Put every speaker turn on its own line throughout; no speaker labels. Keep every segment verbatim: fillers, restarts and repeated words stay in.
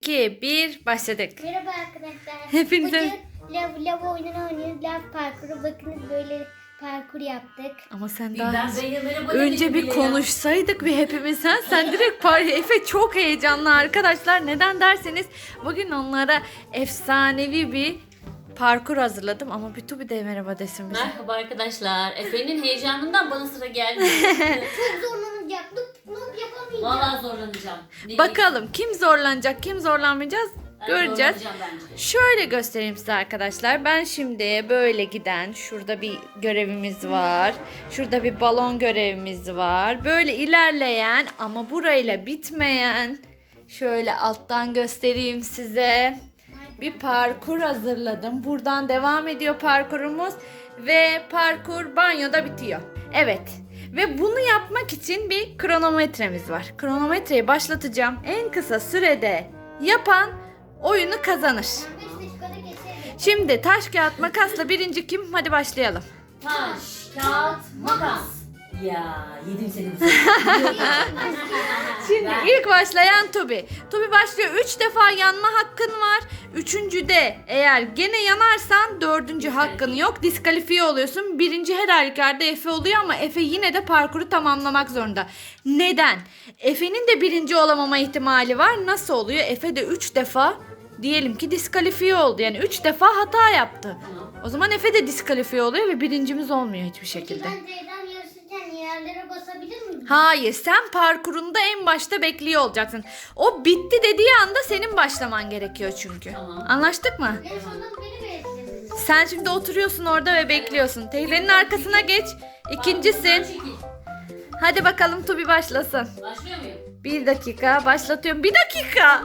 iki, bir başladık.
Merhaba arkadaşlar.
Hepinize-
Bugün lav, lav oyununu oynuyoruz. Lav parkuru. Bakınız böyle parkur yaptık.
Ama sen
Bir
daha
ben Zeynep'e merhaba
önce
dedim
bir
bile ya.
konuşsaydık ve hepimiz sen, sen direkt par Efe çok heyecanlı arkadaşlar. Neden derseniz bugün onlara efsanevi bir parkur hazırladım ama bir Tubi de merhaba desin bize.
Merhaba arkadaşlar. Efe'nin heyecanından bana sıra geldi.
Çok zorlanacak. Noob, noob yapamayacağım.
Vallahi zorlanacağım. Ne
Bakalım kim zorlanacak, kim zorlanmayacağız
Ben
göreceğiz.
zorlanacağım bence.
Şöyle göstereyim size arkadaşlar. Ben şimdi böyle giden, şurada bir görevimiz var. Şurada bir balon görevimiz var. Böyle ilerleyen ama burayla bitmeyen, şöyle alttan göstereyim size. Bir parkur hazırladım. Buradan devam ediyor parkurumuz ve parkur banyoda bitiyor. Evet. Ve bunu yapmak için bir kronometremiz var. Kronometreyi başlatacağım. En kısa sürede yapan oyunu kazanır.
beş dakikada geçelim.
Şimdi taş kağıt makasla birinci kim? Hadi başlayalım.
Taş, kağıt, makas. Ya yedim seni bu sefer.
Şimdi
Ben-
ilk başlayan Tubi. Tubi başlıyor. Üç defa yanma hakkın var. Üçüncüde eğer gene yanarsan dördüncü hakkın yok. Diskalifiye oluyorsun. Birinci her halükarda Efe oluyor ama Efe yine de parkuru tamamlamak zorunda. Neden? Efe'nin de birinci olamama ihtimali var. Nasıl oluyor? Efe de üç defa diyelim ki diskalifiye oldu. Yani üç defa hata yaptı.
Tamam.
O zaman Efe de diskalifiye oluyor ve birincimiz olmuyor hiçbir
Peki
şekilde.
ben Z'den yarışırken yerlere basabilir miyim?
Hayır, sen parkurunda en başta bekliyor olacaksın. O bitti dediği anda senin başlaman gerekiyor çünkü.
Tamam.
Anlaştık mı?
En sonunda beni beklediniz.
Sen şimdi oturuyorsun orada ve bekliyorsun. Teyzenin arkasına geç. İkincisin.
Çekil.
Hadi bakalım Tubi başlasın.
Başlıyor muyum?
Bir dakika başlatıyorum. Bir dakika.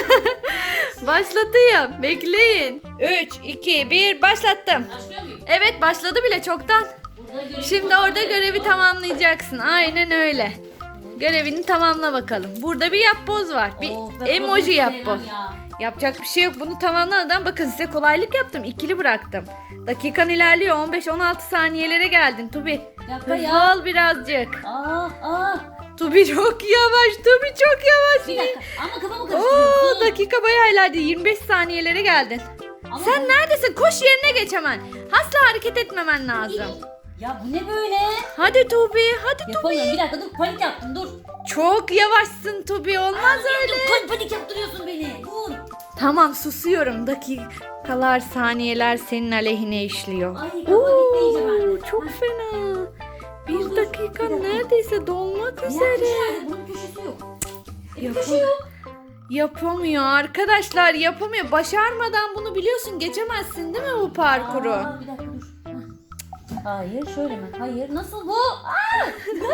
Başlatıyorum. Bekleyin. Üç, iki, bir başlattım.
Başlıyor muyum?
Evet başladı bile çoktan.
Burada görev
Şimdi orada görevi tamamlayacaksın. Aynen öyle. Görevini tamamla bakalım. Burada bir yapboz var. Bir
Of, ben
emoji
bunu
yapboz.
sevmem ya.
Yapacak bir şey yok. Bunu tamamlamadan bakın size kolaylık yaptım. İkili bıraktım. Dakikan ilerliyor. on beş on altı saniyelere geldin Tubi.
dakika
Hızlı
ya.
ol birazcık.
Aa, aa.
Tubi çok yavaş. Tubi çok yavaş.
Bir dakika. Ama kafamı
Oo,
karıştırıyorsun.
dakika bayağı ilerledi. yirmi beş saniyelere geldin.
Ama
Sen
bu-
neredesin? Koş yerine geç hemen. Asla hareket etmemen lazım.
Ya bu ne böyle?
Hadi Tubi. Hadi Tubi.
Yapamıyorum. Bir dakika dur. Panik yaptım. Dur.
Çok yavaşsın Tubi. Olmaz öyle.
Dur, panik, panik yaptırıyorsun beni. Dur.
Tamam susuyorum. Dakikalar, saniyeler senin aleyhine işliyor.
Ay, kafa gitti iyice bende.
Çok
Hah.
fena. Bir
Dur, dur,
dakika
bir dakika.
neredeyse dolmak
Ya,
üzere.
köşe nerede? Bunun köşesi yok. E,
Yapam-
köşe yok.
Yapamıyor arkadaşlar, yapamıyor. Başarmadan bunu biliyorsun, geçemezsin değil mi bu parkuru?
Aa, bir dakika dur. Hah. Hayır şöyle mi? Hayır nasıl bu? Aa!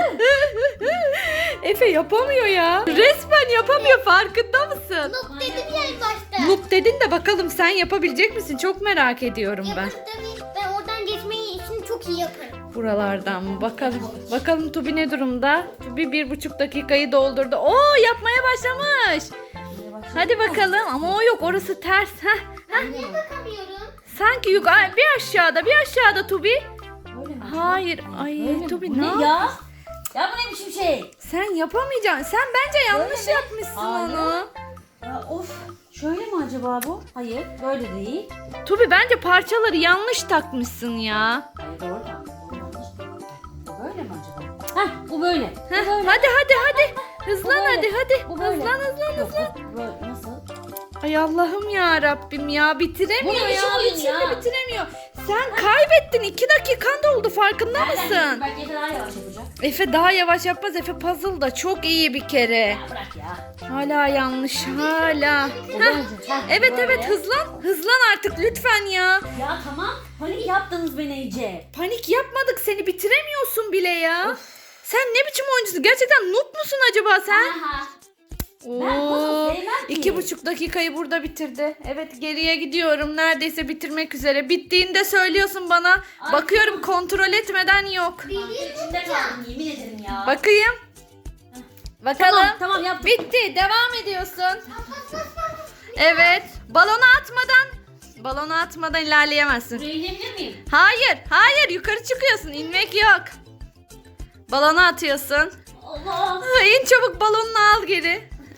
Efe yapamıyor ya. Resmen yapamıyor, farkında mısın?
Noob dedim ya en başta.
Noob dedin de bakalım sen yapabilecek misin? Çok merak ediyorum ben.
Yaparım tabii. Ben oradan geçmeyi için çok iyi yaparım.
Buralardan mı? Bakalım. Bakalım Tubi ne durumda? Tubi bir buçuk dakikayı doldurdu. Oo, yapmaya başlamış. Hadi bakalım. Ama o yok, orası ters. Heh.
Ben niye bakamıyorum?
Sanki yukarı, bir aşağıda, bir aşağıda Tubi.
Böyle mi?
Hayır. Ay
Böyle mi?
Tubi
Bu
ne
ne
yap-
ya? Ya bu ne biçim şey?
Sen yapamayacaksın. Sen bence yanlış
mi?
yapmışsın
Hayır.
onu.
Ya of. Şöyle mi acaba bu? Hayır böyle değil.
Tubi bence parçaları yanlış takmışsın ya.
Hayır doğru tamam. Doğru, yanlış. Bu böyle mi acaba? Heh bu böyle. Bu
Heh,
böyle.
hadi hadi hadi. Hızlan
Bu böyle.
hadi hadi.
Bu böyle.
Hızlan hızlan
Yok,
hızlan.
bu böyle. Nasıl?
Ay Allah'ım ya Rabbim ya, bitiremiyor
Bu ne
ya.
biçim oyun
Bir
ya?
türlü bitiremiyor. Sen kaybettin. iki dakikan doldu, farkında mısın?
Belki Efe daha yavaş yapacak.
Efe daha yavaş yapmaz. Efe puzzle da çok iyi bir kere.
Ya bırak ya.
Hala yanlış hala.
Bu
Heh.
böyle. Heh,
Evet
böyle.
evet hızlan. Hızlan artık lütfen ya.
Ya tamam. Panik yaptınız beni iyice.
Panik yapmadık, seni bitiremiyorsun bile ya. Sen ne biçim oyuncusun? Gerçekten noob musun acaba sen?
Aha.
Oo,
puzzle sevmem ki.
iki buçuk dakikayı burada bitirdi. Evet, geriye gidiyorum. Neredeyse bitirmek üzere. Bittiğinde söylüyorsun bana.
Ay,
Bakıyorum kontrol etmeden yok.
İçinde kaldım yemin ederim ya.
Bakayım. Bakalım.
Tamam tamam yaptım.
Bitti. Devam ediyorsun. Evet. Balonu atmadan balonu atmadan ilerleyemezsin.
Buraya inebilir miyim?
Hayır. Hayır. Yukarı çıkıyorsun. İnmek yok. Balonu atıyorsun.
Allah.
İn çabuk, balonunu al geri.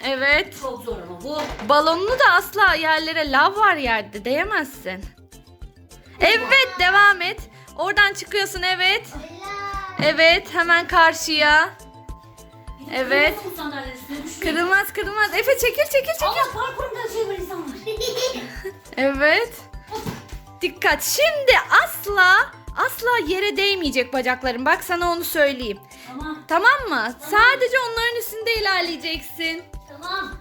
Evet.
Çok zor ama bu.
Balonunu da asla yerlere, lav var yerde, değemezsin. Evet, devam et. Oradan çıkıyorsun, evet. Evet, hemen karşıya.
Bir de
Evet.
kırmızı bu sandalyenin üstüne düşüyor.
Kırılmaz kırılmaz. Efe çekil çekil çekil.
Allah parkurumda şey var insanlar.
Evet. Dikkat. Şimdi asla asla yere değmeyecek bacakların. Bak sana onu söyleyeyim.
Tamam.
Tamam mı? Sadece onların üstünde ilerleyeceksin.
Tamam.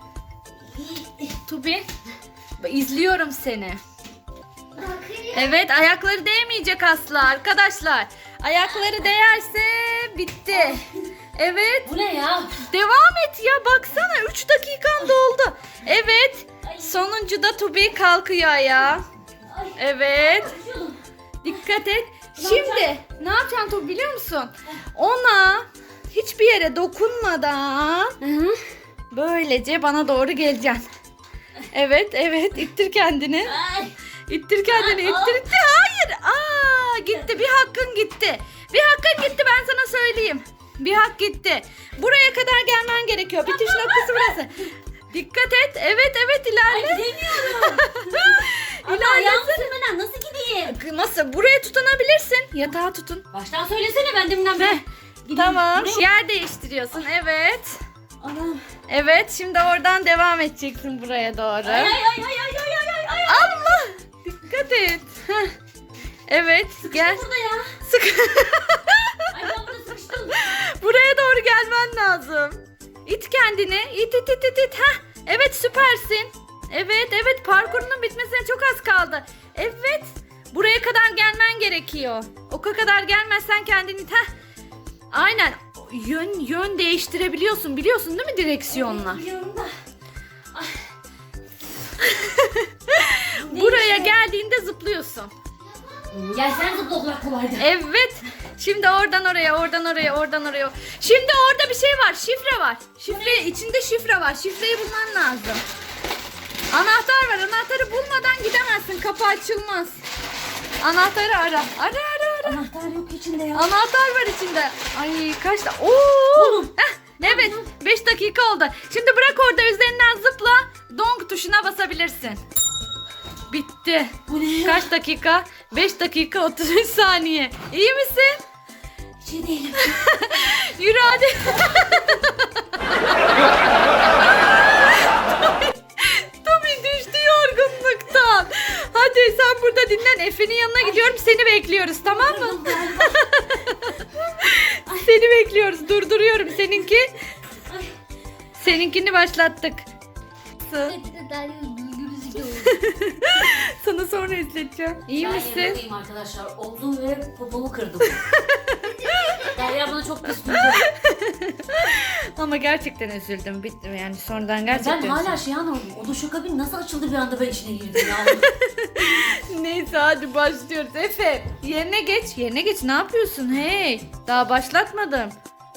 Tubi, izliyorum seni.
Bakın.
Evet, ayakları değmeyecek asla arkadaşlar. Ayakları değerse bitti. Evet.
Bu ne ya?
Devam et ya, baksana üç dakikan doldu. Evet.
Ay.
Sonuncuda Tubi kalkıyor ayağa.
Ay.
Evet.
Düşüyordum.
Dikkat et.
Ne
Şimdi ne yapacaksın Tubi biliyor musun? Ona hiçbir yere dokunmadan böylece bana doğru geleceksin. Evet, evet. İttir kendini.
Ay.
İttir kendini. İttir, ittir. Hayır. Aa, gitti. Bir hakkın gitti. Bir hakkın gitti, ben sana söyleyeyim. Bir hak gitti. Buraya kadar gelmen gerekiyor. Bitiş noktası burası. Dikkat et. Evet, evet,
Ay
ilerle.
gidemiyorum. Ama
İlerle.
ayağımı sürmeden nasıl gideyim?
Nasıl? Buraya tutunabilirsin. Yatağa tutun.
Baştan söylesene ben deminden beri. Gideyim.
Tamam.
Buraya-
Yer değiştiriyorsun. Evet.
Anam.
Evet. Şimdi oradan devam edeceksin buraya doğru.
Ay ay ay ay ay ay ay ay.
Allah. Dikkat et. Heh. Evet. Gel.
Burada ya.
Sık.
Ay ben burada sıkıştım.
Buraya doğru gelmen lazım. İt kendini. İt it it it it. Heh. Evet, süpersin. Evet, evet, parkurunun bitmesine çok az kaldı. Evet. Buraya kadar gelmen gerekiyor. O kadar gelmezsen kendini it. Heh. Aynen. Yön yön değiştirebiliyorsun. Biliyorsun değil mi direksiyonla?
Biliyorum da. Ay.
Buraya
Neymiş o?
geldiğinde zıplıyorsun.
Gel sen zıpla o kadar kolaydı.
Evet. Şimdi oradan oraya, oradan oraya, oradan oraya. Şimdi orada bir şey var. Şifre var. Şifre, içinde şifre var. Şifreyi bulman lazım. Anahtar var. Anahtarı bulmadan gidemezsin. Kapı açılmaz. Anahtarı ara. Ara ara ara.
Anahtar yok içinde ya.
Anahtar var içinde. Ay kaç da. Oo!
Oğlum.
Heh, evet. beş dakika oldu. Şimdi bırak orada, üzerinden zıpla. Donk tuşuna basabilirsin. Bitti.
Bu ne ya?
Kaç dakika? beş dakika otuz üç saniye. İyi misin?
Hiç iyi değilim.
Yürü hadi. Tommy düştü yorgunluktan. Hadi sen burada dinlen. Efe'nin yanına gidiyorum. Seni bekliyoruz, tamam mı? Seni bekliyoruz. Durduruyorum seninki.
Ay.
Seninkini başlattık. Sana sonra izleteceğim. İyi
Ben
misin?
yanındayım arkadaşlar. Omzumu ve popomu kırdım. Derya bana çok pis durdu.
Ama gerçekten üzüldüm. Bitti yani sonradan
Ben
gerçekten
hala
üzüldüm.
şey anlamadım. O duşakabin nasıl açıldı bir anda ben içine girdim ya.
Neyse hadi başlıyoruz. Efe yerine geç. Yerine geç. Ne yapıyorsun? Hey. Daha başlatmadım.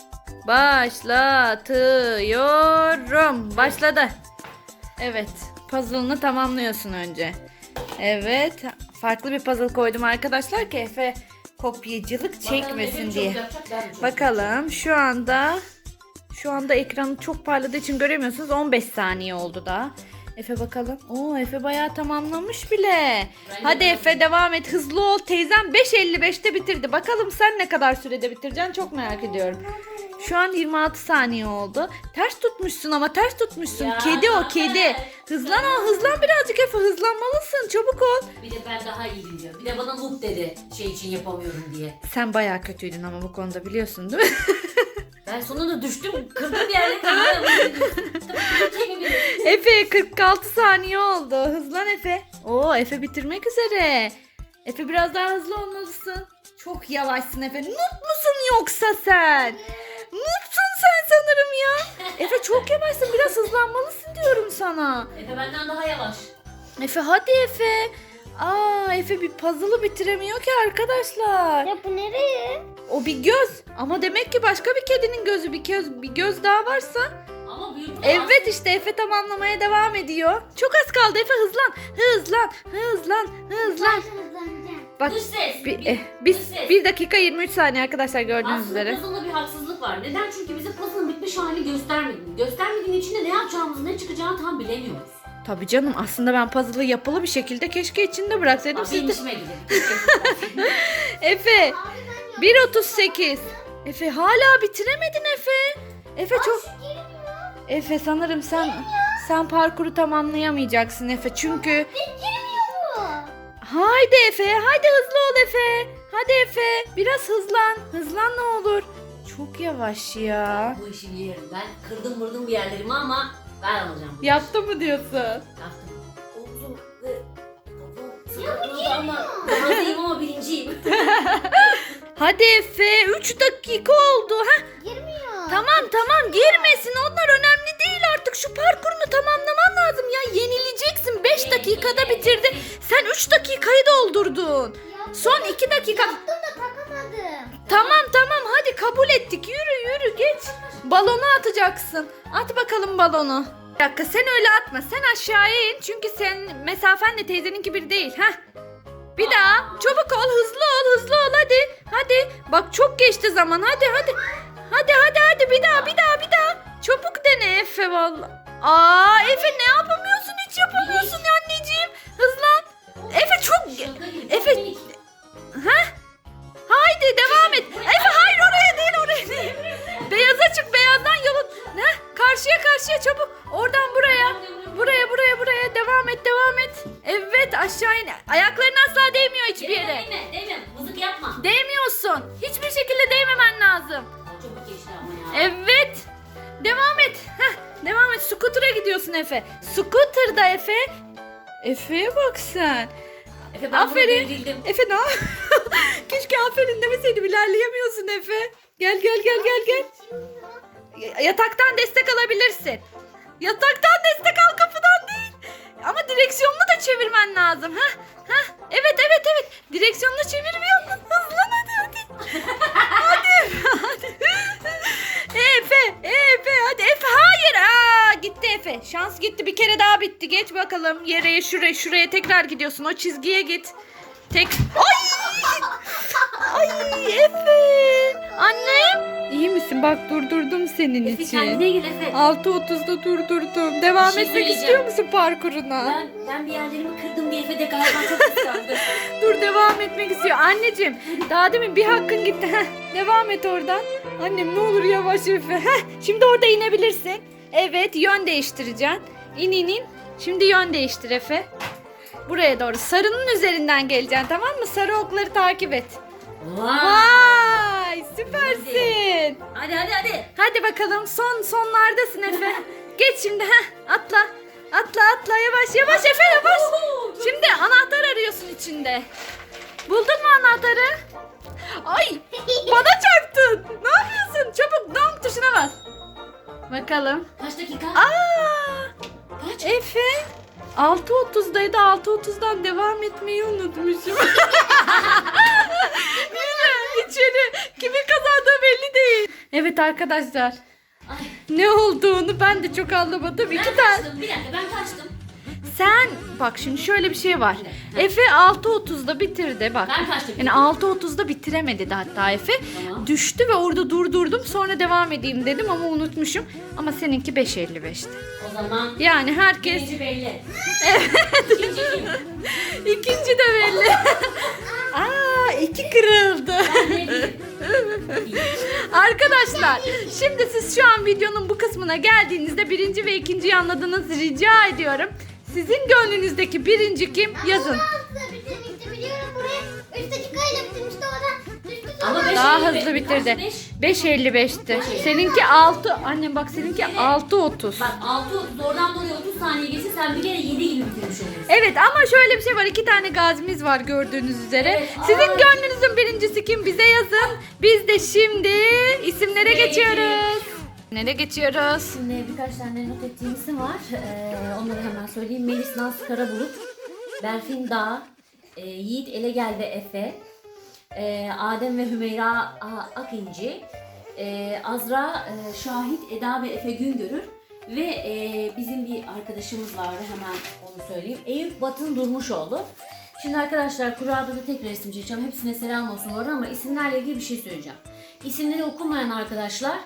Başlatıyorum. Başladı. Evet. Puzzle'ını tamamlıyorsun önce. Evet. Farklı bir puzzle koydum arkadaşlar ki Efe kopyacılık çekmesin diye. Bakalım şu anda şu anda ekranı çok parladığı için göremiyorsunuz. on beş saniye oldu daha. Efe bakalım. Oo, Efe bayağı tamamlamış bile.
Ben
Hadi
de
Efe devam et. Hızlı ol. Teyzem beş elli beşte bitirdi. Bakalım sen ne kadar sürede bitireceksin, çok merak ediyorum. Şu an yirmi altı saniye oldu. Ters tutmuşsun ama ters tutmuşsun.
Ya,
Kedi o
evet.
kedi. Hızlan o hızlan birazcık Efe, hızlanmalısın. Çabuk ol.
Bir de ben daha iyiyim diyor. Bir de bana noob dedi şey için yapamıyorum diye.
Sen bayağı kötüydün ama bu konuda, biliyorsun değil mi?
Ben sonunda düştüm. Kırdım bir yerleri. Hala bunu diyorsun. Tabii çekemiyorum.
Efe kırk altı saniye oldu. Hızlan Efe. Oo, Efe bitirmek üzere. Efe biraz daha hızlı olmalısın. Çok yavaşsın Efe. Noob musun yoksa sen? Noobsun sen sanırım ya. Efe çok yavaşsın. Biraz hızlanmalısın diyorum sana.
Efe benden daha yavaş.
Efe hadi Efe. Aa, Efe bir puzzle'ı bitiremiyor ki arkadaşlar.
Ya bu nereye?
O bir göz. Ama demek ki başka bir kedinin gözü. Bir göz, bir göz daha varsa.
Ama büyük.
Evet işte Efe tamamlamaya devam ediyor. Çok az kaldı Efe, hızlan. Hızlan. Hızlan. Hızlan.
Hızlanacağım.
Bak
Dış ses.
bir,
Bir-
eh, biz
dış ses.
bir dakika yirmi üç saniye arkadaşlar, gördüğünüz
Aslında
üzere.
puzzle'da bir haksızlık var. Neden? Çünkü bizim puzzle'ın bitme yapılmış halini göstermedin. Göstermediğin için de ne yapacağımızı, ne çıkacağını tam bilemiyoruz.
Tabii canım, aslında ben puzzle'ı yapılı bir şekilde keşke içinde bıraksaydım.
Abi
Siz
benim
de...
işime gidelim.
Efe
Abi ben
bir otuz sekiz. Efe hala bitiremedin Efe. Efe çok...
girmiyor.
Efe sanırım sen sen parkuru tamamlayamayacaksın Efe çünkü...
Girmiyor bu.
Haydi Efe, haydi hızlı ol Efe. Hadi Efe, biraz hızlan. Hızlan ne olur. Çok yavaş ya.
Bu işi yerim. Ben kırdım vurdum bir yerlerimi ama ben alacağım.
Yaptı mı diyorsun?
Yaptım. Omzum ve kafam sıkıntılıydı ama razıyım ama birinciyim.
Hadi Efe, üç dakika oldu. Heh,
Girmiyor.
tamam tamam, girmesin, onlar önemli değil artık. Şu parkurunu tamamlaman lazım ya. Yenileceksin. beş dakikada bitirdi. Sen üç dakikayı doldurdun.
Yaptım.
Son iki dakika.
Yaptım da takamadım.
Tamam tamam, hadi kabul ettik. Yürü yürü, geç. Balonu atacaksın. At bakalım balonu. Bir dakika, sen öyle atma. Sen aşağıya in. Çünkü sen mesafenle teyzeninki bir değil. Heh. Bir daha. Çabuk ol, hızlı ol, hızlı ol hadi. Hadi. Bak çok geçti zaman. Hadi hadi. Hadi hadi hadi, bir daha bir daha bir daha. Çabuk dene Efe vallahi. Aa Efe, ne yapamıyorsun? Hiç yapamıyorsun ya anneciğim. Hızlan. Efe çok...
Şaka gibi,
Efe-
çok minik.
Heh. Haydi devam et. Efe hayır, oraya değil, oraya değil. Beyaza çık, beyazdan yolun. Ne? Karşıya karşıya çabuk. Oradan buraya. Buraya buraya buraya devam et devam et. Evet, aşağı in. Ayakların asla değmiyor hiçbir yere.
Değme, değme. Mızık yapma.
Değmiyorsun. Hiçbir şekilde değmemen lazım.
Çabuk geçti ama ya.
Evet. Devam et. Heh, devam et. Scooter'a gidiyorsun Efe. Scooter'da Efe. Efe'ye bak sen.
Efe ben
Aferin.
Aferin. Devrildim.
Efe ne? Keşke aferin demeseydim. İlerleyemiyorsun Efe. Gel gel gel gel gel. Y- Yataktan destek alabilirsin. Yataktan destek al, kapıdan değil. Ama direksiyonunu da çevirmen lazım. Heh, heh. Evet evet evet. Direksiyonunu çevirmiyorsun. Hızlan hadi hadi. Hadi hadi. Efe, Efe hadi Efe, hayır. Aa, gitti Efe. Şans gitti, bir kere daha bitti. Geç bakalım yere, şuraya şuraya tekrar gidiyorsun. O çizgiye git. Tek. Ay! Ay Efe. Annem. İyi misin? Bak durdurdum senin
Efe
için.
kendine gel Efe.
altı otuzda durdurdum. Devam
Bir şey
etmek
söyleyeceğim.
istiyor musun parkuruna?
Ben, ben bir yerlerimi kırdım diye Efe de galiba çok kıskandı.
Dur, devam etmek istiyor. Anneciğim, daha demin bir hakkın gitti. Heh, devam et oradan. Annem ne olur yavaş Efe. Heh, şimdi orada inebilirsin. Evet, yön değiştireceksin. İn in in. Şimdi yön değiştir Efe. Buraya doğru. Sarının üzerinden geleceksin, tamam mı? Sarı okları takip et.
Vay.
Vay, süpersin.
Hadi hadi hadi.
Hadi bakalım, son sonlardasın Efe. Geç şimdi, heh, atla. Atla atla, yavaş yavaş Efe, yavaş. Şimdi anahtar arıyorsun içinde. Buldun mu anahtarı? Ay, bana çarptın. Ne yapıyorsun? Çabuk donk tuşuna bas. Bakalım.
Kaç dakika?
Aa,
Kaç?
Efe altı otuzdaydı. altı otuzdan devam etmeyi unutmuşum. Yine içeri. Kimin kazandığı belli değil. Evet arkadaşlar.
Ay,
Ne olduğunu ben de çok anlamadım.
ben
İki tane.
kaçtım. Bir dakika ben kaçtım.
Sen bak şimdi şöyle bir şey var. Efe altı otuzda bitirdi bak.
Ben kaçtım.
Yani altı otuzda bitiremedi de hatta Efe.
Tamam.
Düştü ve orada durdurdum. Sonra devam edeyim dedim ama unutmuşum. Ama seninki beş elli beşti.
O zaman
Yani herkes
birinci belli. Evet. İkinci kim?
ikinci de belli. Aa, iki kırıldı.
Ben ne diyeyim?
Arkadaşlar şimdi siz şu an videonun bu kısmına geldiğinizde birinci ve ikinciyi anladınız, rica ediyorum. Sizin gönlünüzdeki birinci kim? Yazın.
Hızlı bitirmişti biliyorum buraya. üç dakikayla bitirmişti o da. Düştü sonra.
Ama beş
Daha
elli
hızlı
beş.
bitirdi.
Kaç, beş?
beş elli beşti. Seninki altı. Annem bak, seninki altı otuz.
Bak altı otuz oradan oraya otuz saniye geçse sen bir kere yedi gibi bitirmiş olursun.
Evet ama şöyle bir şey var. İki tane gazimiz var gördüğünüz üzere.
Evet,
Sizin
aa.
gönlünüzün birincisi kim? Bize yazın. Biz de şimdi isimlere
Nereye
geçiyoruz. Nereye geçiyoruz?
Şimdi birkaç tane not ettiğim isim var. Ee, onları hemen söyleyeyim. Melis Naz Karabulut, Berfin Dağ, e, Yiğit Elegel ve Efe, e, Adem ve Hümeyra A- Akinci, e, Azra, e, Şahit, Eda ve Efe Güngörür ve e, bizim bir arkadaşımız vardı, hemen onu söyleyeyim. Eyüp Batın Durmuşoğlu. Şimdi arkadaşlar kurada da tek resim çekeceğim. Hepsine selam olsun orada ama isimlerle ilgili bir şey söyleyeceğim. İsimleri okunmayan arkadaşlar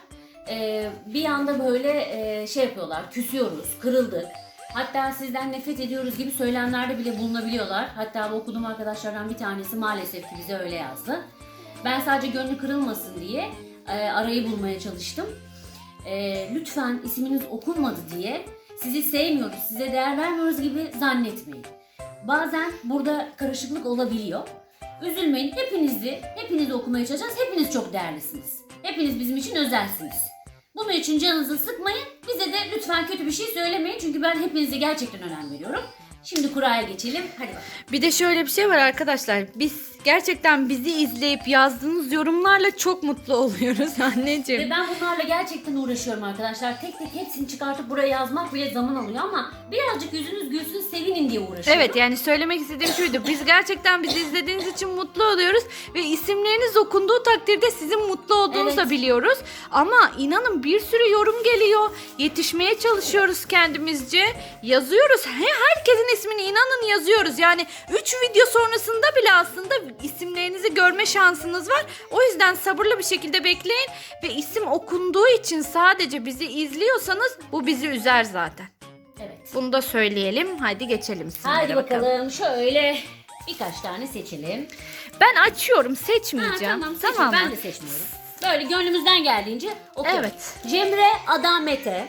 e, bir anda böyle e, şey yapıyorlar, küsüyoruz, kırıldık. Hatta sizden nefret ediyoruz gibi söylemlerde bile bulunabiliyorlar. Hatta bu okuduğum arkadaşlardan bir tanesi maalesef ki bize öyle yazdı. Ben sadece gönlü kırılmasın diye e, arayı bulmaya çalıştım. E, lütfen isminiz okunmadı diye sizi sevmiyoruz, size değer vermiyoruz gibi zannetmeyin. Bazen burada karışıklık olabiliyor. Üzülmeyin, hepinizi, hepinizi okumaya çalışacağız. Hepiniz çok değerlisiniz. Hepiniz bizim için özelsiniz. Bunun için canınızı sıkmayın. Bize de lütfen kötü bir şey söylemeyin. Çünkü ben hepinize gerçekten önem veriyorum. Şimdi kuraya geçelim. Hadi bakalım.
Bir de şöyle bir şey var arkadaşlar. Biz gerçekten bizi izleyip yazdığınız yorumlarla çok mutlu oluyoruz anneciğim.
Ve ben bunlarla gerçekten uğraşıyorum arkadaşlar. Tek tek hepsini çıkartıp buraya yazmak bile zaman alıyor ama birazcık yüzünüz gülsün, sevinin diye uğraşıyorum.
Evet, yani söylemek istediğim şuydu. Biz gerçekten bizi izlediğiniz için mutlu oluyoruz ve isimleriniz okunduğu takdirde sizin mutlu olduğunuzu da
Evet.
biliyoruz. Ama inanın bir sürü yorum geliyor. Yetişmeye çalışıyoruz kendimizce. Yazıyoruz. He, herkesin ismini inanın yazıyoruz. Yani üç video sonrasında bile aslında isimlerinizi görme şansınız var. O yüzden sabırlı bir şekilde bekleyin ve isim okunduğu için sadece bizi izliyorsanız bu bizi üzer zaten.
Evet.
Bunu da söyleyelim. Haydi geçelim isimlere
Hadi bakalım. Şöyle birkaç tane seçelim.
Ben açıyorum,
Ha,
seçmeyeceğim.
tamam,
Tamam,
seçin.
mı?
Ben de seçmiyorum. Böyle gönlümüzden geldiğince okuyorum.
Evet.
Cemre Adamete,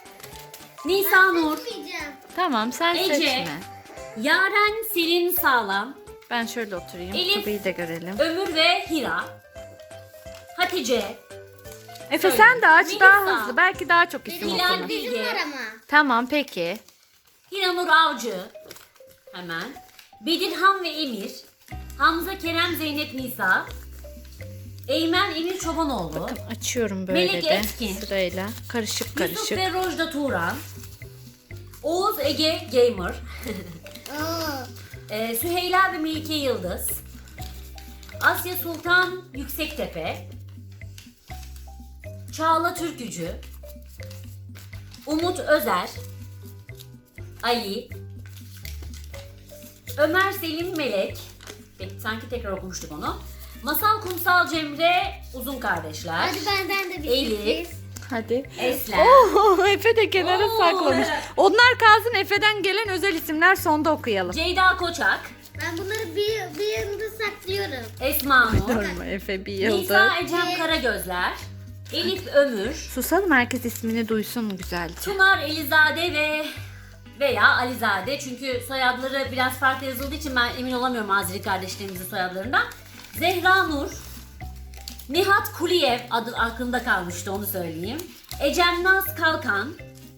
Nisa Nur,
Yapmayacağım.
Tamam, sen
Ece.
seçme.
Yaren Selin Sağlam,
Ben şöyle oturayım.
Elif.
Tabii de görelim.
Ömür ve Hira, Hatice,
Efe
Söyle.
sen de aç,
Melisa.
daha hızlı. Belki daha çok isim
Hilal
okunur.
Bilge,
Bizim var ama.
Tamam, peki.
Hiranur Avcı, hemen, Bedirhan ve Emir, Hamza Kerem Zeynep Nisa, Eymen Emir Çobanoğlu,
Bakın açıyorum böyle
Melek
de
Etkin.
sırayla. Karışık
Yusuf
karışık.
ve Rojda Turan, Oğuz Ege Gamer,
Aa.
Ee, Süheyla ve Melike Yıldız, Asya Sultan Yüksektepe, Çağla Türkücü, Umut Özer, Ali, Ömer Selim Melek, peki, sanki tekrar okumuştuk onu, Masal Kumsal Cemre Uzun Kardeşler,
Hadi benden de bir
Elif.
sürpriz.
Hadi.
Eslem,
Oo, Efe de kenara
Oo,
saklamış.
evet.
Onlar kalsın, Efe'den gelen özel isimler sonda okuyalım.
Ceyda Koçak,
Ben bunları bir, bir yanında saklıyorum.
Esma Nur,
Durma Efe, bir yıldır.
Nisa Ecem Karagözler, Elif Ömür,
Susalım, herkes ismini duysun güzelce.
Çınar Elizade ve veya Alizade, çünkü soyadları biraz farklı yazıldığı için ben emin olamıyorum Azeri kardeşlerimizin soyadlarından. Zehra Nur, Nihat Kuliyev adı aklımda kalmıştı, onu söyleyeyim. Ecem Naz Kalkan,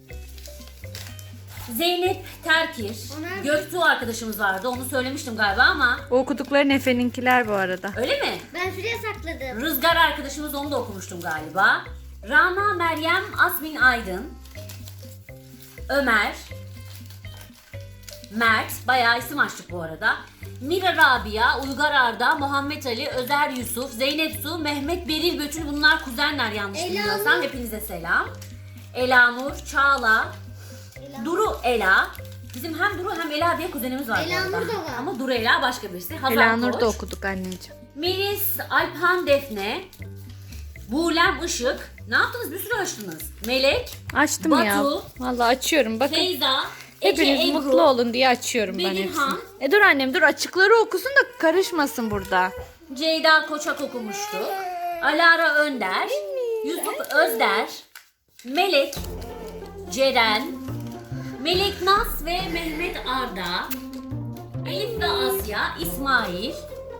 Zeynep Terkir,
Onlar-
Göktuğ arkadaşımız vardı, onu söylemiştim galiba ama
O okudukların Efe'ninkiler bu arada.
öyle mi?
Ben şuraya sakladım.
Rızgar arkadaşımız, onu da okumuştum galiba. Rana Meryem Asmin Aydın, Ömer, Mert, bayağı isim açtık bu arada. Mira Rabia, Uygar Arda, Muhammed Ali, Özer Yusuf, Zeynep Su, Mehmet Beril Bötül, bunlar kuzenler yanlış
Ela
bilmiyorsam.
Nur.
Hepinize selam. Ela Nur, Çağla,
Ela.
Duru Ela. Bizim hem Duru hem Ela diye kuzenimiz var bu
Ela
arada.
Nur da var.
Ama Duru Ela başka birisi. Hazal
Elanur
Koç.
da okuduk anneciğim.
Melis, Alphan Defne, Buğlem Işık. Ne yaptınız? Bir sürü açtınız. Melek,
Açtım
Batu,
ya. Vallahi açıyorum. Bakın.
Feyza, Ece
Hepiniz
Ebru,
mutlu olun diye açıyorum ben
Bedirhan.
hepsini. E dur annem, dur, açıkları okusun da karışmasın burada.
Ceyda Koçak okumuştu. Alara Önder, Yusuf Özder, Melek, Ceren, Melek Naz ve Mehmet Arda, Elif ve Asya, İsmail,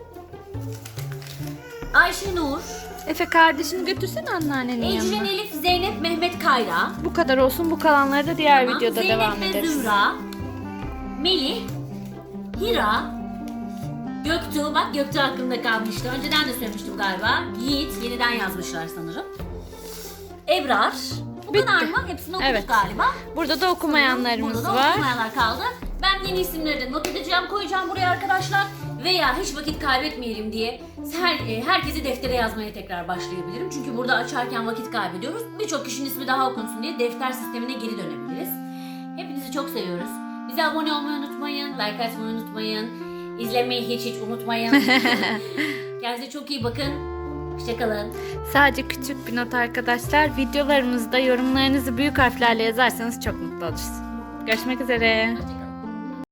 Ayşe Nur,
Efe, kardeşini götürsene anneannenin
Ecrin
yanına.
Elif, Zeynep, Mehmet Kayra,
Bu kadar olsun, bu kalanları da diğer
Tamam.
videoda
Zeynep
devam
ve
ederiz.
Zümra, Melih, Hira, Göktuğ, bak Göktuğ hakkında kalmıştı. Önceden de söylemiştim galiba. Yiğit, yeniden yazmışlar sanırım. Ebrar. Bu
Bitti.
kadar mı? Hepsini okuduk
Evet.
galiba.
Burada da okumayanlarımız
Burada da
var.
okumayanlar kaldı. Ben yeni isimleri de not edeceğim, koyacağım buraya arkadaşlar. Veya hiç vakit kaybetmeyelim diye her, e, herkesi deftere yazmaya tekrar başlayabilirim. Çünkü burada açarken vakit kaybediyoruz. Birçok kişinin ismi daha okunsun diye defter sistemine geri dönebiliriz. Hepinizi çok seviyoruz. Bize abone olmayı unutmayın, like atmayı unutmayın, izlemeyi hiç hiç unutmayın. Kendinize çok iyi bakın. Hoşçakalın.
Sadece küçük bir not arkadaşlar. Videolarımızda yorumlarınızı büyük harflerle yazarsanız çok mutlu oluruz. Görüşmek üzere.
Hoşçakalın.